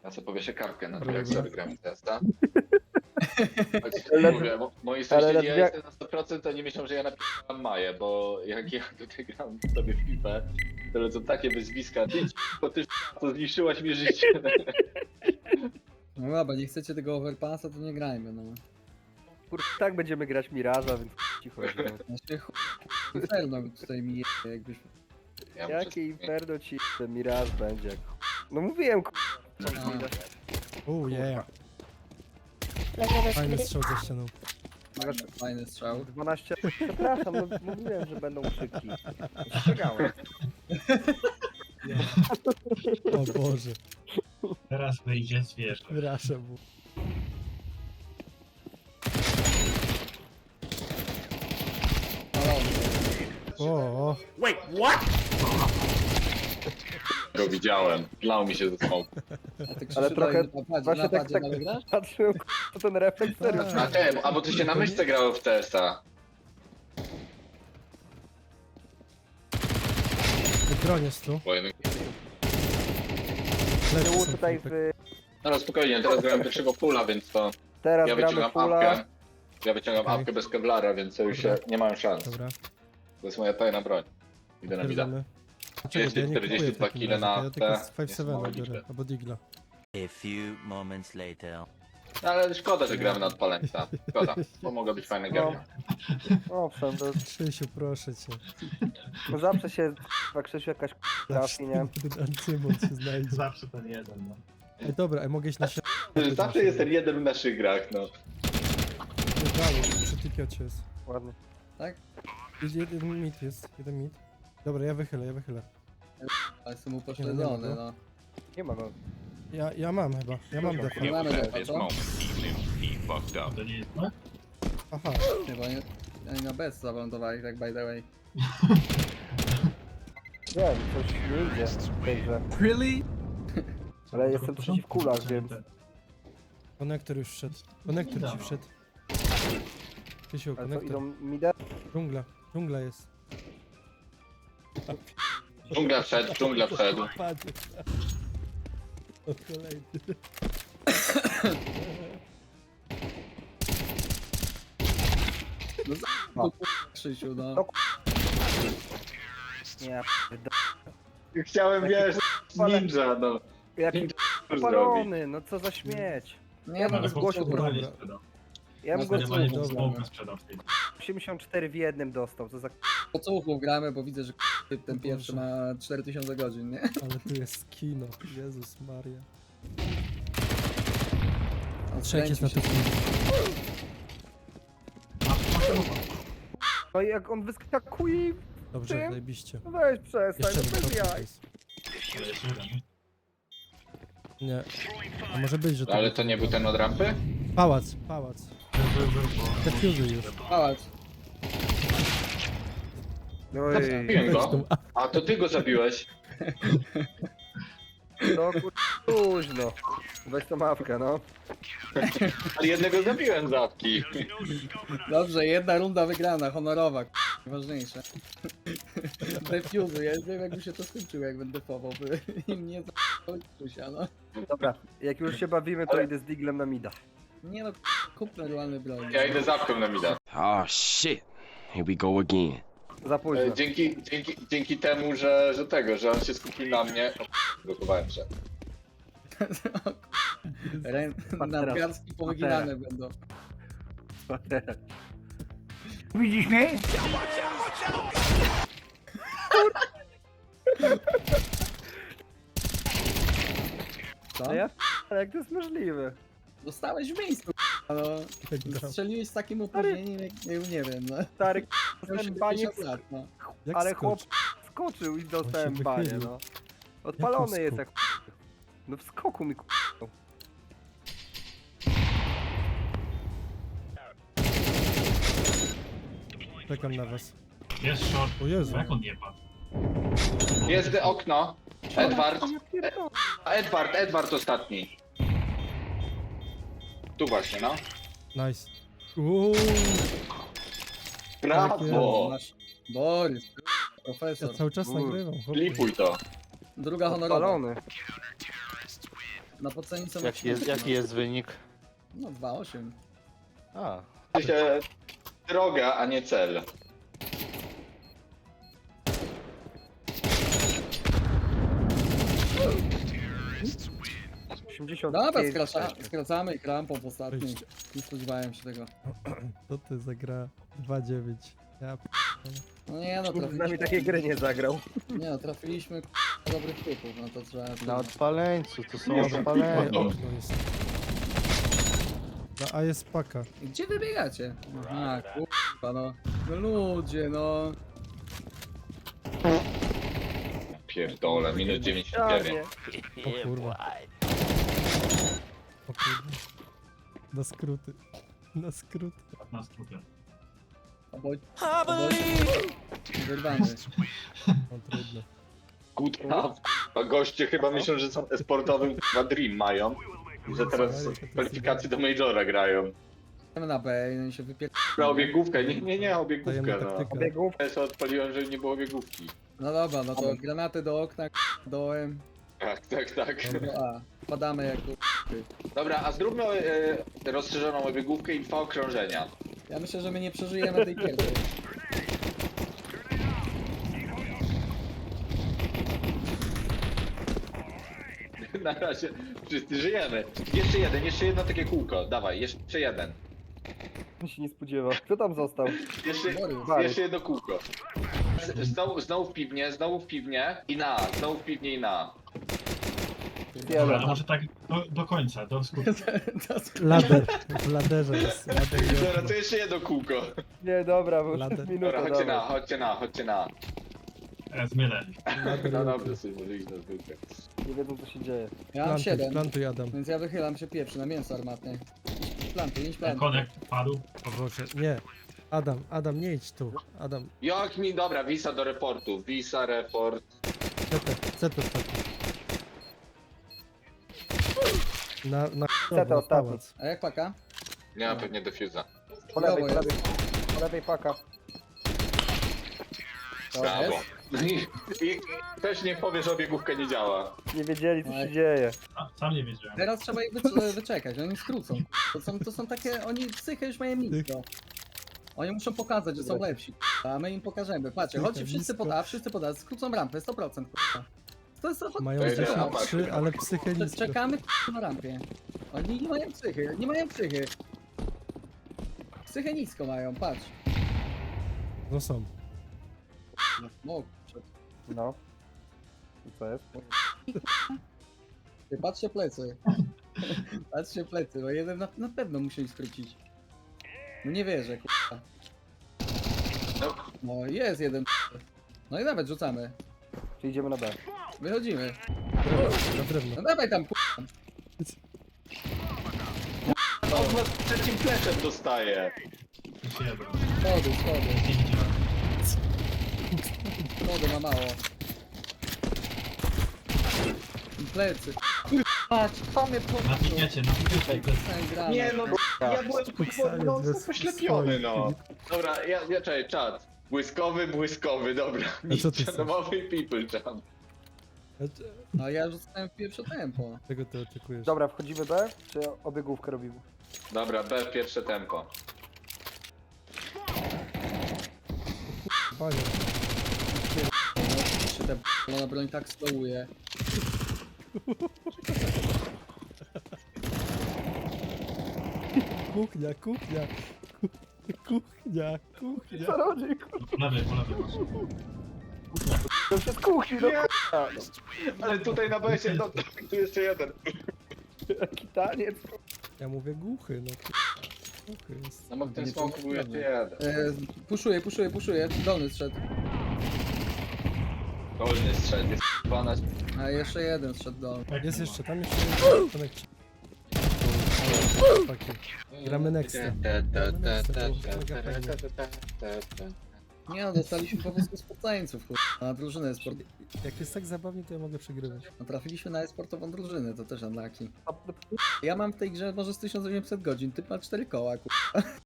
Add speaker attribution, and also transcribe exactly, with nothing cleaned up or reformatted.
Speaker 1: Ja sobie powieszę kartkę na to, jak sobie gram testa.
Speaker 2: Ale-
Speaker 1: Mówię, mo- moi
Speaker 2: ale
Speaker 1: sąsiedzi,
Speaker 2: na
Speaker 1: ja
Speaker 2: dwie-
Speaker 1: jestem na sto procent, to nie myślą, że ja napisałem Maję, bo jak ja tutaj gram sobie w FIFA, to lecą takie wyzwiska, ty bo ty to zniszczyłaś mi życie.
Speaker 3: No dobra, nie chcecie tego overpassa, to nie grajmy, no.
Speaker 2: Kurde, tak będziemy grać Miraża, więc cicho. No.
Speaker 3: Znaczy, chuj, Inferno tutaj mi je, jakbyś...
Speaker 1: Ja muszę
Speaker 2: Jakie
Speaker 1: zmienić.
Speaker 2: Inferno ci Miraż będzie? jak- No mówiłem, k***.
Speaker 4: Oh yeah,
Speaker 5: Dlatego
Speaker 4: fajny
Speaker 5: sobie
Speaker 4: strzał za ścianą.
Speaker 3: Fajny strzał.
Speaker 2: dwanaście. Przepraszam, no mówiłem, że będą krzyki. Ostrzegałem.
Speaker 4: O Boże,
Speaker 6: Teraz wyjdzie zwierzę.
Speaker 4: wyrażę mu. O, o,
Speaker 1: Go widziałem, lał mi się ze smoku.
Speaker 3: A ty
Speaker 2: Ale
Speaker 3: Krzysiu,
Speaker 2: trochę-
Speaker 3: dalej napadzie,
Speaker 2: właśnie tak-
Speaker 3: napadzie
Speaker 2: tak-
Speaker 3: dalej grasz?
Speaker 2: Patrzyłem, k***, ten refleks serio.
Speaker 4: Tak.
Speaker 1: A te, a bo ty się na myszce grało w T S a.
Speaker 4: broń jest tu.
Speaker 1: Bo jednak-
Speaker 4: Lecz
Speaker 2: Tyłu
Speaker 4: są
Speaker 2: tutaj
Speaker 4: flipy.
Speaker 2: w...
Speaker 1: No spokojnie, teraz grałem pierwszego pula, więc to
Speaker 2: Teraz
Speaker 1: ja
Speaker 2: gramy
Speaker 1: wyciągam
Speaker 2: pula.
Speaker 1: apkę. Ja wyciągam
Speaker 4: Okej.
Speaker 1: apkę bez kevlara, więc to już się, nie mają szans.
Speaker 4: Dobra,
Speaker 1: To jest moja tajna broń. Idę na mida.
Speaker 4: pierdolę.
Speaker 1: trzydzieści,
Speaker 4: ja nie
Speaker 1: czterdzieści
Speaker 4: kupuję w
Speaker 1: dwa
Speaker 4: takim
Speaker 1: kile
Speaker 4: razie,
Speaker 1: na
Speaker 4: to ja tylko
Speaker 1: te-
Speaker 4: z pięć siedem
Speaker 1: nie
Speaker 4: biorę,
Speaker 1: są
Speaker 4: albo Digla.
Speaker 7: A few moments later.
Speaker 1: No, ale szkoda, że gramy na odpaleńca. Szkoda, bo mogła być fajna gierka.
Speaker 2: Owszem, to
Speaker 4: Krzysiu, proszę cię.
Speaker 2: no zawsze się jak Krzysiu jakaś trafi, nie?
Speaker 4: Ten Ancymon się znajdzie.
Speaker 6: Zawsze ten jeden, no.
Speaker 4: Ej, dobra, ej, mogę iść na się.
Speaker 1: Zawsze jest ten jeden w naszych grach, no.
Speaker 4: Nie dalej, przy tikiocie jest.
Speaker 2: Ładnie.
Speaker 4: Idzie jeden mit jest, jeden mit. Dobra, ja wychylę, ja wychylę.
Speaker 3: Ale jestem
Speaker 4: Nie
Speaker 3: upośledzony,
Speaker 4: ma
Speaker 3: no.
Speaker 2: Nie ma go.
Speaker 4: Ja, ja mam chyba, ja mam defa.
Speaker 3: Nie mamy defa, co?
Speaker 6: To nie jest, no?
Speaker 4: Aha,
Speaker 3: Chyba nie... Oni na bez zawądowali, tak by the way.
Speaker 2: Wiem, coś nie idzie w tej grze.
Speaker 3: Really?
Speaker 2: Ale jestem przeciw kulach, więc...
Speaker 4: konektor już wszedł. Konektor ci
Speaker 6: Dobra.
Speaker 4: wszedł. Krzysiu,
Speaker 2: Ale co,
Speaker 4: konektor.
Speaker 2: idą midę?
Speaker 4: Dżungla, dżungla jest.
Speaker 1: Dżungla wszedł, dżungla wszedł.
Speaker 4: Padzie. O, kolejny.
Speaker 3: No za... Krzysiu, no.
Speaker 2: No, Nie, p***,
Speaker 1: Chciałem, wiesz, ninja, no.
Speaker 2: jaki
Speaker 1: Ninja zrobi.
Speaker 2: palony, no co za śmieć.
Speaker 3: Nie,
Speaker 2: Ja
Speaker 3: no,
Speaker 2: bym zgłosił
Speaker 3: dobra.
Speaker 2: broń.
Speaker 6: nie sprzedał.
Speaker 2: Ja bym
Speaker 3: No,
Speaker 2: go
Speaker 3: zdecydowanie
Speaker 2: z
Speaker 3: dobra.
Speaker 6: Smoka sprzedał w tej.
Speaker 2: osiemdziesiąt cztery w jednym dostał, co za...
Speaker 3: Po co gramy, bo widzę, że ten pierwszy ma cztery tysiące godzin, nie?
Speaker 4: Ale tu jest kino, Jezus Maria.
Speaker 3: On
Speaker 4: Trzech jest na
Speaker 3: skręcił
Speaker 4: tym.
Speaker 3: się.
Speaker 2: No i jak on wyskakuje,
Speaker 4: Dobrze,
Speaker 2: Tym?
Speaker 4: zajebiście.
Speaker 2: no weź przestań,
Speaker 4: Jeszcze
Speaker 2: no
Speaker 4: jeden
Speaker 2: bez
Speaker 4: top
Speaker 2: jaj.
Speaker 4: jest.
Speaker 6: Ale jeszcze jeden.
Speaker 4: Nie. A może być, że to...
Speaker 1: Ale to nie był ten od rampy?
Speaker 4: Pałac, pałac.
Speaker 6: Był, był, był, bo-
Speaker 4: Te fuzy już.
Speaker 3: Pałac.
Speaker 2: No i...
Speaker 1: Zabiłem go. A to ty go zabiłeś.
Speaker 2: No kur... Późno. Weź tą mapkę, no.
Speaker 1: Ale jednego zabiłem z apki.
Speaker 3: Dobrze, jedna runda wygrana, honorowa, k***, ważniejsze. Defuzy, ja wiem jakby się to skończyło, jak będę defował, by im nie za***ł no.
Speaker 2: Dobra, jak już się bawimy, to
Speaker 1: Ale-
Speaker 2: idę z Diglem na mida.
Speaker 3: Nie no, k***, kup normalny broń.
Speaker 1: Ja idę z apką na mida.
Speaker 8: Oh shit. Here we go again.
Speaker 2: Za późno.
Speaker 1: E, Dzięki, dzięki, dzięki temu, że, że tego, że on się skupił na mnie. O, blokowałem się.
Speaker 3: Rę... Nadgarstki powyginane będą. Co?
Speaker 2: No ja... Ale jak to jest możliwe?
Speaker 3: Zostałeś w miejscu, k***, no. Strzeliłeś z takim opóźnieniem, jak nie, nie wiem, no.
Speaker 2: Stary
Speaker 3: Miał
Speaker 2: dostałem banie,
Speaker 3: siedemdziesiąt lat, no.
Speaker 4: Jak
Speaker 2: ale
Speaker 4: skocz?
Speaker 2: chłop skoczył i dostałem
Speaker 4: się
Speaker 2: banie,
Speaker 4: wychylił.
Speaker 2: no. Odpalony
Speaker 4: Jaki
Speaker 2: jest
Speaker 4: skok?
Speaker 2: jak... No w skoku mi k***.
Speaker 4: Czekam na was.
Speaker 6: Jest short.
Speaker 4: O Jezu.
Speaker 6: Jak on nie padł?
Speaker 1: Jest okno. Edward.
Speaker 2: Ja pierdolę.
Speaker 1: A Edward, Edward ostatni. Tu właśnie, no.
Speaker 4: Nice. Uuu,
Speaker 1: Brawo!
Speaker 3: Nasz Borys, k***,
Speaker 4: ja
Speaker 3: profesor.
Speaker 4: cały czas
Speaker 2: Uuu.
Speaker 4: nagrywam. chłopie.
Speaker 1: Klipuj to.
Speaker 3: Druga honorowa.
Speaker 2: Odpalony.
Speaker 3: Na podcenie są
Speaker 2: Jaki jest, jaki jest wynik?
Speaker 3: No dwa osiem.
Speaker 2: A,
Speaker 1: W sensie droga, a nie cel.
Speaker 2: osiemdziesiąt
Speaker 3: Dobra,
Speaker 2: pięć.
Speaker 3: skraca, skracamy i krampą w ostatniej. Nie spodziewałem się tego.
Speaker 4: To ty zagra dwa dziewięć. Ja p...
Speaker 3: No nie no,
Speaker 2: Nikt z nami
Speaker 3: trafiliśmy,
Speaker 2: takiej gry nie zagrał.
Speaker 3: nie no, trafiliśmy k***a, dobrych typów, no to trzeba...
Speaker 2: Na odpaleńcu, to są
Speaker 1: Nie,
Speaker 4: Oj,
Speaker 2: odpaleńcy.
Speaker 4: okno jest. Na A jest paka.
Speaker 3: Gdzie wy biegacie? A, kurwa no. No ludzie, no.
Speaker 1: Pierdolę, minus dziewięćdziesiąt dziewięć.
Speaker 4: O kurwa. O kurwa. Na skróty. Na skróty.
Speaker 6: Na skrótę.
Speaker 3: Oboj... Oboj... Wyrwany.
Speaker 4: No trudno.
Speaker 1: Kuta, a goście chyba myślą, że są sportowym na Dream mają. I że teraz w kwalifikacji do Majora grają.
Speaker 3: Idziemy na B i się wypier...
Speaker 1: Na obiegówkę, nie, nie, nie, obiegówkę,
Speaker 4: Tajemna
Speaker 1: no.
Speaker 4: taktyka.
Speaker 2: Biegów.
Speaker 1: Ja sobie odpaliłem, że nie było obiegówki.
Speaker 3: No dobra, no to granaty do okna, k***, dołem,
Speaker 1: Tak, tak, tak.
Speaker 3: do A. Padamy jak kur-
Speaker 1: Dobra, a zróbmy e, rozszerzoną obiegówkę i dwa okrążenia.
Speaker 3: Ja myślę, że my nie przeżyjemy tej pierwszej.
Speaker 1: Na razie wszyscy żyjemy. Jeszcze jeden, jeszcze jedno takie kółko. Dawaj, jeszcze jeden.
Speaker 2: się nie spodziewał. Kto tam został?
Speaker 1: Jeszcze,
Speaker 3: Borys.
Speaker 1: jeszcze jedno kółko. Z- Znowu, znowu w piwnie, znowu w piwnie i na, znowu w piwnie i na.
Speaker 6: Dobra,
Speaker 2: Jeden.
Speaker 6: a może tak do, do końca, do skutku.
Speaker 4: Lader. W laderze jest. Lader i
Speaker 1: Dobra,
Speaker 4: okno.
Speaker 1: to jeszcze jedno kółko.
Speaker 2: Nie, dobra, bo
Speaker 4: Lader.
Speaker 2: już minuta.
Speaker 1: Dobra, chodźcie na,
Speaker 2: dawaj.
Speaker 1: chodźcie na, chodźcie na.
Speaker 6: E, zmieleni.
Speaker 4: Lader
Speaker 1: No
Speaker 4: i okno.
Speaker 1: dobra, sobie może iść na zwykle.
Speaker 2: Nie wiedzą co się dzieje.
Speaker 3: Ja mam
Speaker 4: Plantuj,
Speaker 3: siedem,
Speaker 4: plantuj Adam.
Speaker 3: więc ja wychylam się pierwszy na mięso armatne. Planty, idź planty.
Speaker 6: Konek padł.
Speaker 4: O Boże, nie. Adam, Adam, nie idź tu. Adam,
Speaker 1: Jak mi, dobra, visa do reportu, visa, report.
Speaker 4: C T, C T, C T. Na, na
Speaker 2: Seta ostatni.
Speaker 4: pałac.
Speaker 3: A jak paka?
Speaker 1: Nie ma pewnie defuza.
Speaker 2: Po lewej, po
Speaker 3: Brawo,
Speaker 2: lewej. Po lewej paka.
Speaker 1: Brawo. I, I też nie powie, że obiegówka nie działa.
Speaker 2: Nie wiedzieli co
Speaker 3: Oj.
Speaker 2: się dzieje.
Speaker 6: A, sam nie wiedziałem.
Speaker 3: Teraz trzeba ich wycz- wyczekać, oni skrócą. To są, to są takie, oni psychę już mają nisko. Oni muszą pokazać, że są lepsi, a my im pokażemy. Patrzcie, chodźcie wszyscy pod A, wszyscy pod A, skrócą rampę, sto procent. To jest to
Speaker 4: Mają
Speaker 1: Ej,
Speaker 4: dziesięć
Speaker 1: no,
Speaker 4: trzy, ale psychę nisko.
Speaker 3: Czekamy k***a, na rampie. Oni nie mają psychy, nie mają psychy. Psychę nisko mają, patrz.
Speaker 4: No są.
Speaker 3: No,
Speaker 2: No. I co jest?
Speaker 3: ty, patrzcie plecy. Patrzcie plecy, bo jeden na, na pewno musi skrócić. No nie wierzę, k***a.
Speaker 1: No,
Speaker 3: No jest jeden. No i nawet rzucamy.
Speaker 2: Czy idziemy na B?
Speaker 3: Wychodzimy.
Speaker 4: Na drewno.
Speaker 3: No dawaj tam k***a.
Speaker 1: on was trzecim pleczem dostaje.
Speaker 6: Jeszcze jeden.
Speaker 3: Schody, schody.
Speaker 6: Nie widziałem.
Speaker 3: Schody ma mało. Plecy. Patrz, co mnie
Speaker 6: Na piniecie, na piniecie.
Speaker 3: gramy.
Speaker 1: Nie no, ja byłem
Speaker 4: Pisanie
Speaker 1: no,
Speaker 4: bez
Speaker 1: poślepiony, no.
Speaker 4: swoich.
Speaker 1: Dobra, ja, ja czekaj, czat. Błyskowy, błyskowy, dobra.
Speaker 4: A co ty
Speaker 1: Mistrz domowy people jump.
Speaker 3: No ja rzucałem w pierwsze tempo.
Speaker 4: Czego ty oczekujesz?
Speaker 2: Dobra, wchodzimy B? Czy obiegówkę robimy?
Speaker 1: Dobra, B, pierwsze tempo.
Speaker 4: Panie.
Speaker 3: Czy te b***a broń tak stołuje.
Speaker 4: Kuchnia, kuchnia. Kuchnia, kuchnia.
Speaker 2: Co rodzi? kurwa?
Speaker 6: Po lewej, po lewej masz.
Speaker 2: To już jest kuchni, no kurwa.
Speaker 1: Ale tutaj na B się, no, tu jeszcze jeden.
Speaker 2: Jaki taniec.
Speaker 4: Ja mówię głuchy, no. Głuchy jest.
Speaker 1: No bo w tym
Speaker 3: Nie
Speaker 1: smoku był jeszcze
Speaker 3: pomyślałem.
Speaker 1: jeden.
Speaker 3: E, puszuję, puszuję, puszuję. Dolny strzedł.
Speaker 1: Dolny strzed, jest dwanaście.
Speaker 3: A jeszcze jeden strzedł dolny.
Speaker 6: Jak
Speaker 4: Jest
Speaker 6: nie
Speaker 4: jeszcze, tam jeszcze jest konekci. Chłopaki. Gramy nexta. Gramy nexta, to już mega fajnie.
Speaker 3: Nie no, dostaliśmy po prostu sportańców, kurwa, na drużynę sport.
Speaker 4: Jak jest tak zabawnie, to ja mogę przegrywać.
Speaker 3: No, trafiliśmy na e-sportową drużynę, to też unlucky. Ja mam w tej grze może z tysiąc osiemset godzin, ty ma cztery koła, kurwa.